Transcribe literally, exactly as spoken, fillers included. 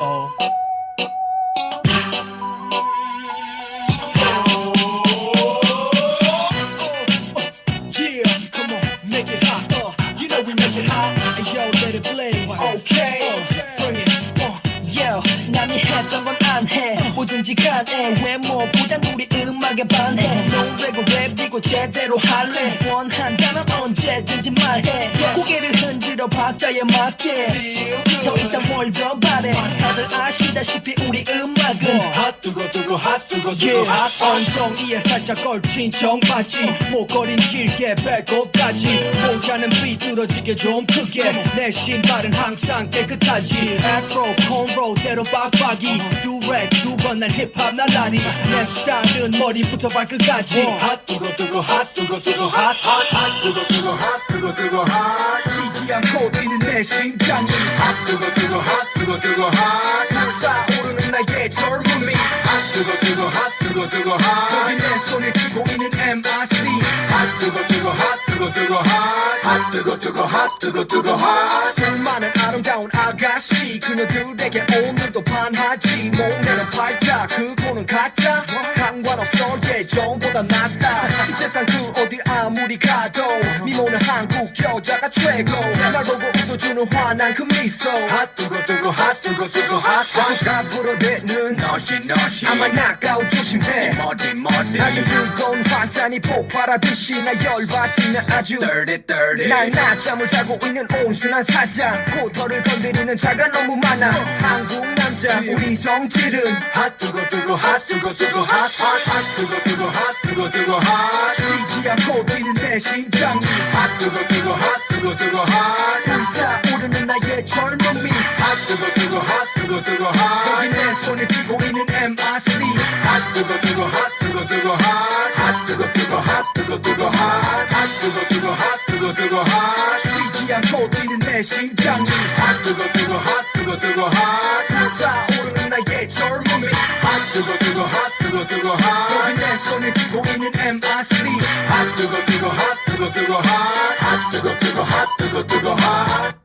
oh. Yeah, come on, make it hot. Uh, you know we make it hot. And yo, let it blaze. Okay, uh, bring it. Uh. Yo, 남이 했던 건 안 해. 뭐든지 간에 외모보단 우리 음악에 반해. 노래고 랩이고 제대로 할래. 원한다면 언제든지 말해. 고개를 흔들어 박자에 맞게. 더 이상 뭘 더 바래. 다들 아시다시피 우리 음악은 핫 뜨거 뜨거 핫 뜨거 뜨거 핫 엉덩이에 살짝 걸친 청바지 목걸이는 길게 배꼽까지 모자는 삐뚤어지게 좀 크게 내 신발은 항상 깨끗하지 애프로 콘로대로 빡빡이 듀렉 두 번 난 힙합 날라리 내 스타일은 머리부터 발끝까지 핫 뜨거 뜨거 핫 뜨거 뜨거 핫핫핫 뜨거 뜨거 핫 뜨거 뜨거 핫 쉬지 않고 뛰는 내 심장이 핫 뜨거 뜨거 핫 뜨거 뜨거 핫 불타오르는 나의 젊음이 핫 뜨거 뜨거 핫 뜨거 뜨거 핫 거기 내 손에 쥐고 있는 엠아르씨 핫 뜨거 뜨거 핫 뜨거 뜨거 핫 뜨거 뜨거 핫 뜨거 뜨거 핫 수많은 아름다운 아가씨 그녀들에게 오늘도 반하지 몸매는 팔자 그거는 가짜 상관없어 예전보다 낫다 이 세상 그 어디 아무리 가도 미모는 한국 여자가 최고 날 보고 웃어주는 환한 그 미소 핫 뜨거 뜨거 핫 뜨거 뜨거 핫 핫 불어대는 너시 너시 아마 나가오 조심해 머리 머리 아주 뜨거운 화산이 폭발하듯이 나 열받으면 아주 dirty dirty 날 낮잠을 자고 있는 온순한 사자 코털을 건드리는 자가 너무 많아 한국 남자 우리 성질은 핫 뜨거 뜨거 핫 뜨거 뜨거 핫 핫 뜨거 뜨거 핫 뜨거 뜨거 핫 쉬지 않고 뛰는 내 심장이 핫 뜨거 뜨거 핫 뜨거 뜨거 핫 불타오르는 나의 젊음이 핫 뜨거 뜨거 핫 뜨거 뜨거 핫 거기 내 손에 쥐고 있는 엠아르씨 핫 뜨거 뜨거 핫 뜨거 뜨거 핫 뜨거 뜨거 핫 뜨거 뜨거 핫 뜨거 뜨거 핫 뜨거 뜨거 핫 쉬지 않고 뛰는 내 심장이 핫 뜨거 뜨거 핫 뜨거 뜨거 핫 불타오르는 나의 젊음이 핫 뜨거 뜨거 핫 뜨거 뜨거 핫 거기 내 손에 쥐고 있는 엠아르씨 핫 뜨거 뜨거 핫 뜨거 뜨거 핫 뜨거 뜨거 핫 뜨거 뜨거 핫